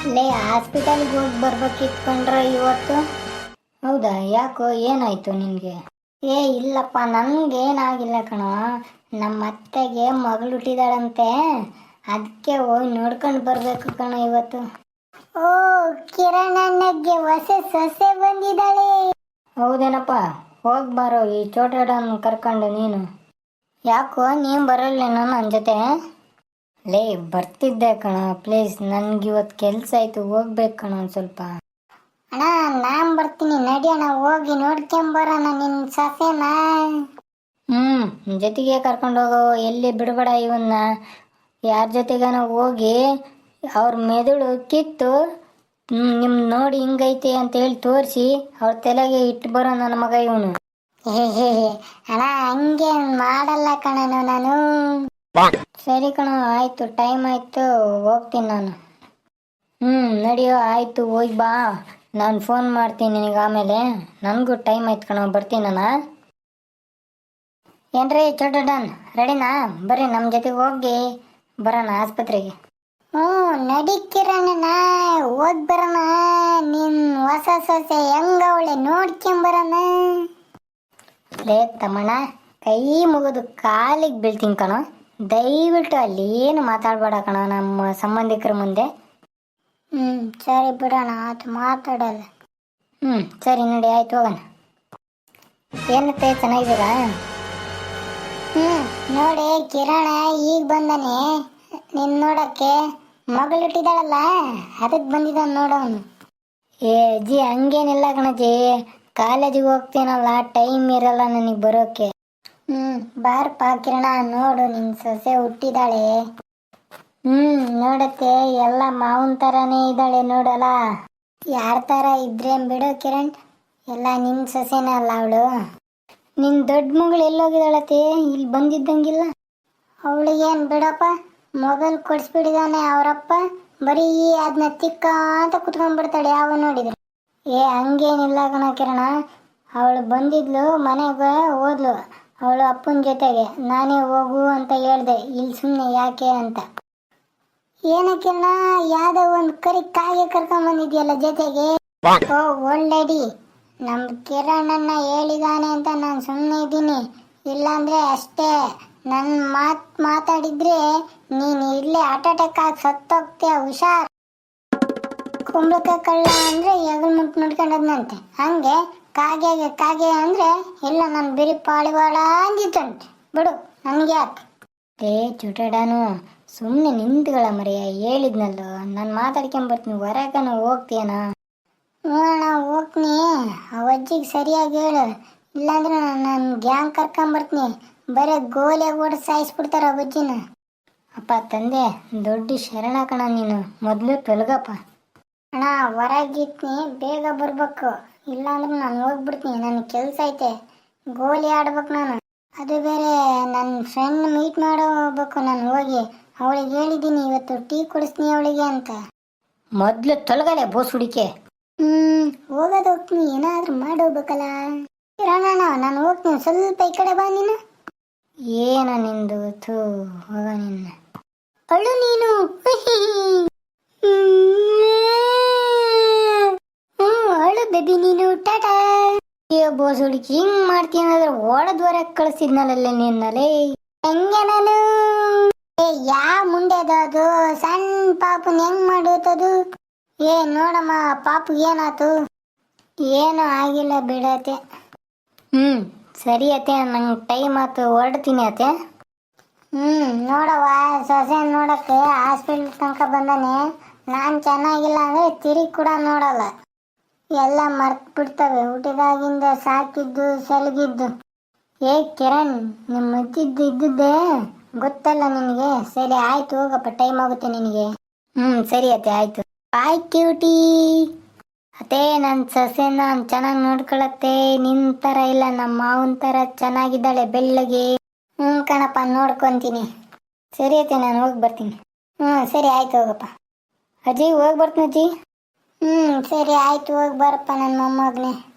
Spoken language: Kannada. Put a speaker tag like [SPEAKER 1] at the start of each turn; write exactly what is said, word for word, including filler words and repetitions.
[SPEAKER 1] ಲೇ ಹಾಸ್ಪಿಟಲ್ಗೆ ಹೋಗಿ ಬರ್ಬೇಕಿತ್ತು ಕಣ್ರ ಇವತ್ತು. ಹೌದಾ, ಯಾಕೋ ಏನಾಯ್ತು ನಿನಗೆ? ಏ ಇಲ್ಲಪ್ಪ, ನನಗೇನಾಗಿಲ್ಲ ಕಣೋ. ನಮ್ಮ ಅತ್ತೆಗೆ ಮಗಳು ಹುಟ್ಟಿದಾಳಂತೆ, ಅದಕ್ಕೆ ಹೋಗಿ ನೋಡ್ಕೊಂಡು ಬರಬೇಕು ಕಣ ಇವತ್ತು. ಓ, ಕಿರಣಣ್ಣಗೆ ಹೊಸ ಸೊಸೆ ಬಂದಿದ್ದಾಳೆ. ಹೌದೇನಪ್ಪ, ಹೋಗಿ ಬಾರೋ ಈ ಚೋಟಡನ್ನು ಕರ್ಕೊಂಡು ನೀನು. ಯಾಕೋ ನೀನು ಬರಲ್ಲೇನೋ ನನ್ನ ಜೊತೆ? ಲೇ ಬರ್ತಿದ್ದೆ ಕಣ, ಪ್ಲೀಸ್ ನನಗಿವತ್ತು ಕೆಲಸ ಆಯಿತು, ಹೋಗ್ಬೇಕು ಕಣ ಒಂದು ಸ್ವಲ್ಪ. ಅಣ್ಣ ನಾನು ಬರ್ತೀನಿ, ನಡಿ ಅಣ್ಣ, ಹೋಗಿ ನೋಡ್ಕೊಂಬರೋಣ ನಿನ್ನ ಸೊಸೆನ. ಹ್ಞೂ ಜೊತೆಗೆ ಕರ್ಕೊಂಡು ಹೋಗೋ, ಎಲ್ಲಿ ಬಿಡಬೇಡ ಇವನ್ನ. ಯಾರ ಜೊತೆಗನ ಹೋಗಿ ಅವ್ರ ಮೆದುಳು ಕಿತ್ತು ನಿಮ್ಮ ನೋಡಿ ಹಿಂಗೈತೆ ಅಂತ ಹೇಳಿ ತೋರಿಸಿ ಅವ್ರ ತಲೆಗೆ ಇಟ್ಟು ಬರೋ ನನ್ನ ಮಗ ಇವನು. ಹೇ ಹೇ ಅಣ್ಣ, ಹಂಗೆ ಮಾಡಲ್ಲ ಕಣನು ನಾನು. ಸರಿ ಕಣ, ಆಯಿತು, ಟೈಮ್ ಆಯಿತು, ಹೋಗ್ತೀನಿ ನಾನು. ಹ್ಞೂ ನಡಿಯೋ, ಆಯಿತು, ಹೋಗಿ ಬಾ. ನಾನು ಫೋನ್ ಮಾಡ್ತೀನಿ ನಿನಗೆ ಆಮೇಲೆ. ನನಗೂ ಟೈಮ್ ಆಯ್ತು ಕಣ, ಬರ್ತೀನಿ ನಾನು. ಏನ್ರಿ ಚೋಟಡನ್, ರೆಡಿನಾ? ಬರ್ರಿ ನಮ್ಮ ಜೊತೆಗೆ ಹೋಗಿ ಬರೋಣ ಆಸ್ಪತ್ರೆಗೆ. ಹ್ಞೂ ನಡಿ ಕಿರಣಣ್ಣ, ಹೋಗಿ ಬರೋಣ. ನಿನ್ನ ಹೊಸ ಸೊಸೆ ಹೆಂಗವಳೆ ನೋಡ್ಕೊಂಬರೋಣ. ಲೇ ತಮ್ಮಣ್ಣ, ಕೈ ಮುಗಿದು ಕಾಲಿಗೆ ಬೀಳ್ತೀನಿ ಕಣೋ, ದಯವಿಟ್ಟು ಅಲ್ಲಿ ಏನು ಮಾತಾಡಬೇಡ ಕಣ ನಮ್ಮ ಸಂಬಂಧಿಕರ ಮುಂದೆ. ಹ್ಞೂ ಸರಿ ಬಿಡೋಣ, ಆತು, ಮಾತಾಡಲ್ಲ. ಹ್ಞೂ ಸರಿ ನೋಡಿ, ಆಯ್ತು, ಹೋಗೋಣ. ಏನತ್ತೆ, ಚೆನ್ನಾಗಿದ್ದೀರಾ? ಹ್ಞೂ ನೋಡಿ ಕಿರಣ ಈಗ ಬಂದಾನೆ ನಿನ್ನ ನೋಡೋಕ್ಕೆ. ಮಗಳು ಹುಟ್ಟಿದಾಳಲ್ಲ, ಅದಕ್ಕೆ ಬಂದಿದ್ದಾನೆ ನೋಡೋನು. ಏ ಅಜ್ಜಿ ಹಂಗೇನಿಲ್ಲ ಕಣಜ್ಜಿ, ಕಾಲೇಜಿಗೆ ಹೋಗ್ತೀನಲ್ಲ, ಟೈಮ್ ಇರಲ್ಲ ನನಗೆ ಬರೋಕ್ಕೆ. ಹ್ಞೂ ಬಾರಪ್ಪ ಕಿರಣ, ನೋಡು ನಿನ್ನ ಸೊಸೆ ಹುಟ್ಟಿದಾಳೆ. ಹ್ಞೂ ನೋಡತ್ತೆ, ಎಲ್ಲ ಮಾವನ ಥರನೇ ಇದ್ದಾಳೆ ನೋಡಲ್ಲ. ಯಾರ ಥರ ಇದ್ರೆ ಬಿಡು ಕಿರಣ್, ಎಲ್ಲ ನಿನ್ನ ಸೊಸೆನೇ ಅಲ್ಲ ಅವಳು. ನಿನ್ನ ದೊಡ್ಡ ಮಗಳು ಎಲ್ಲೋಗಿದ್ದಾಳತ್ತೆ, ಇಲ್ಲಿ ಬಂದಿದ್ದಂಗಿಲ್ಲ. ಅವಳಿಗೇನು ಬಿಡಪ್ಪ, ಮೊಬೈಲ್ ಕೊಡಿಸ್ಬಿಟ್ಟಿದ್ದಾನೆ ಅವರಪ್ಪ, ಬರೀ ಅದನ್ನ ತಿಕ್ಕ ಅಂತ ಕುತ್ಕೊಂಡ್ಬಿಡ್ತಾಳೆ ಯಾವ ನೋಡಿದ್ರೆ. ಏ ಹಂಗೇನಿಲ್ಲ ಕಣ ಕಿರಣ, ಅವಳು ಬಂದಿದ್ಲು, ಮನೆಗೆ ಹೋದ್ಲು ಅವಳು ಅಪ್ಪನ ಜೊತೆಗೆ. ನಾನೇ ಹೋಗು ಅಂತ ಹೇಳಿದೆ, ಇಲ್ಲಿ ಸುಮ್ಮನೆ ಯಾಕೆ ಅಂತ. ಏನಕ್ಕಿನ್ನ ಯಾವ್ದೋ ಒಂದು ಕರಿ ಕಾಗೆ ಕರ್ಕೊಂಡ್ ಬಂದಿದ್ಯಲ್ಲ ಜೊತೆಗೆ. ಓ ಒಳ್ಳೆಡಿ, ನಮ್ಮ ಕಿರಣನ್ನ ಹೇಳಿದಾನೆ ಅಂತ ನಾನು ಸುಮ್ಮನೆ ಇದ್ದೀನಿ. ಇಲ್ಲಾಂದ್ರೆ ಅಷ್ಟೇ, ನನ್ನ ಮಾತು ಮಾತಾಡಿದ್ರೆ ನೀನು ಇಲ್ಲೇ ಹಾರ್ಟ್ ಅಟ್ಯಾಕ್ ಆಗಿ ಸತ್ತೋಗ್ತೀಯ, ಹುಷಾರ್. ಕುಂಬಳಕಾಯಿ ಕಳ್ಳ ಅಂದ್ರೆ ಎಗಲ್ ಮುಟ್ಟು ನೋಡ್ಕೊಂಡದ್ನಂತೆ, ಹಂಗೆ ಕಾಗೆಗೆ ಕಾಗೆ ಅಂದ್ರೆ ಇಲ್ಲ ನಾನು ಬಿರಿ ಪಾಳಿವಾಳ ಅಂದಿತ್ತಂತೆ. ಬಿಡು, ನನಗೆ ಯಾಕೆ? ಏ ಚುಟಡಾನು, ಸುಮ್ಮನೆ ನಿಂತ್ಗಳ ಮರೆಯ, ಹೇಳಿದ್ನಲ್ಲೋ ನಾನು ಮಾತಾಡ್ಕೊಂಬರ್ತೀನಿ, ಹೊರಗನ ಹೋಗ್ತೀಯನಾ? ಹ್ಞೂ ಅಣ್ಣ ಹೋಗ್ತೀನಿ, ಆ ಅಜ್ಜಿಗೆ ಸರಿಯಾಗಿ ಹೇಳು, ಇಲ್ಲಾಂದ್ರೆ ನಾನು ಗ್ಯಾಂಗ್ ಕರ್ಕೊಂಬರ್ತೀನಿ, ಬರೀ ಗೋಲೆ ಓಡಿ ಸಾಯಿಸ್ಬಿಡ್ತಾರ ಆ ಅಜ್ಜಿನ. ಅಪ್ಪ ತಂದೆ, ದೊಡ್ಡ ಶರಣ ಕಣ ನೀನು, ಮೊದಲು ತೊಲಗಪ್ಪ. ಅಣ್ಣ ಹೊರಗಿತ್ನಿ, ಬೇಗ ಬರ್ಬೇಕು, ಇಲ್ಲಾಂದ್ರೆ ನಾನು ಹೋಗ್ಬಿಡ್ತೀನಿ, ನನಗೆ ಕೆಲಸ ಐತೆ, ಗೋಲಿ ಆಡ್ಬೇಕು ನಾನು. ಅದು ಬೇರೆ ನನ್ನ ಫ್ರೆಂಡ್ ಮೀಟ್ ಮಾಡೋ ಹೋಗ್ಬೇಕು ನಾನು, ಹೋಗಿ ಅವಳಿಗೆ ಹೇಳಿದ್ದೀನಿ ಇವತ್ತು ಟೀ ಕೊಡಿಸ್ತೀನಿ ಅವಳಿಗೆ ಅಂತ. ಮೊದಲು ತೊಲಗಲೆ ಬೋಸ್ ಹುಡಿಕೆ. ಹ್ಮ್ ಹೋಗೋದು ಹೋಗ್ತೀನಿ, ಏನಾದ್ರೂ ಮಾಡಿ ಹೋಗ್ಬೇಕಲ್ಲ. ಕಿರಣಣ್ಣ ನಾನು ಹೋಗ್ತೀನಿ, ಸ್ವಲ್ಪ ಈ ಕಡೆ ಬಾ ನೀನು. ಏನ ನಿಂದು, ಥೂ ಹೋಗ ನಿನ್ನ. ಅಳು ನೀನು. ಹ್ಮ್ ಅಳು ಬೇಬಿ ನೀನು, ಟಾಟಾ. ಅಯ್ಯೋ ಬೋಸ್ ಹುಡುಕಿ, ಹಿಂಗ್ ಮಾಡ್ತೀನಿ ಅಂದ್ರೆ ಓಡದ್ವರ ಕಳಿಸಿದ್ನಲ್ಲೇ ನಿನ್ನಲೇ. ಹೆಂಗೆ ನಾನು ಏ ಯಾ ಮುಂಡೆದು ಅದು ಸಣ್ಣ ಪಾಪನ್ ಹೆಂಗ್ ಮಾಡುತ್ತದು? ಏ ನೋಡಮ್ಮ, ಪಾಪು ಏನಾತು? ಏನೂ ಆಗಿಲ್ಲ ಬಿಡತ್ತೆ. ಹ್ಮ್ ಸರಿ ಅತ್ತೆ, ನಂಗೆ ಟೈಮ್ ಆಯ್ತು, ಹೊರಡ್ತೀನಿ ಅತ್ತೆ. ಹ್ಮ್ ನೋಡವ್ವ, ಸೊಸೆ ನೋಡಕ್ಕೆ ಹಾಸ್ಪಿಟ್ಲ್ ತನಕ ಬಂದಾನೆ. ನಾನು ಚೆನ್ನಾಗಿಲ್ಲ ಅಂದ್ರೆ ತಿರುಗಿ ಕೂಡ ನೋಡಲ್ಲ, ಎಲ್ಲ ಮರ್ತು ಬಿಡ್ತವೆ ಹುಟ್ಟಿದಾಗಿಂದ ಸಾಕಿದ್ದು ಸೆಲಗಿದ್ದು. ಏ ಕಿರಣ್, ನಿಮ್ಮ ಅಜ್ಜಿದ್ದು ಇದ್ದಿದ್ದೆ ಗೊತ್ತಲ್ಲ ನಿನಗೆ. ಸರಿ ಆಯ್ತು, ಹೋಗಪ್ಪ, ಟೈಮ್ ಆಗುತ್ತೆ ನಿನಗೆ. ಹ್ಮ್ ಸರಿ ಅತ್ತೆ, ಆಯ್ತು. Bye cutie. ಅತ್ತೆ ನನ್ನ ಸೊಸೆ ನಾನು ಚೆನ್ನಾಗಿ ನೋಡ್ಕೊಳತ್ತೆ, ನಿನ್ನ ಥರ ಇಲ್ಲ, ನಮ್ಮ ಮಾವನ ಥರ ಚೆನ್ನಾಗಿದ್ದಾಳೆ ಬೆಳ್ಳಗೆ. ಹ್ಞೂ ಕಣಪ್ಪ, ನೋಡ್ಕೊತೀನಿ. ಸರಿ ಅತ್ತೆ, ನಾನು ಹೋಗಿ ಬರ್ತೀನಿ. ಹ್ಞೂ ಸರಿ ಆಯ್ತು, ಹೋಗಪ್ಪ. ಅಜ್ಜಿ ಹೋಗಿ ಬರ್ತೀನಿ ಅಜ್ಜಿ. ಹ್ಞೂ ಸರಿ ಆಯ್ತು, ಹೋಗಿ ಬರಪ್ಪ ನನ್ನ ಮೊಮ್ಮಗನೇ.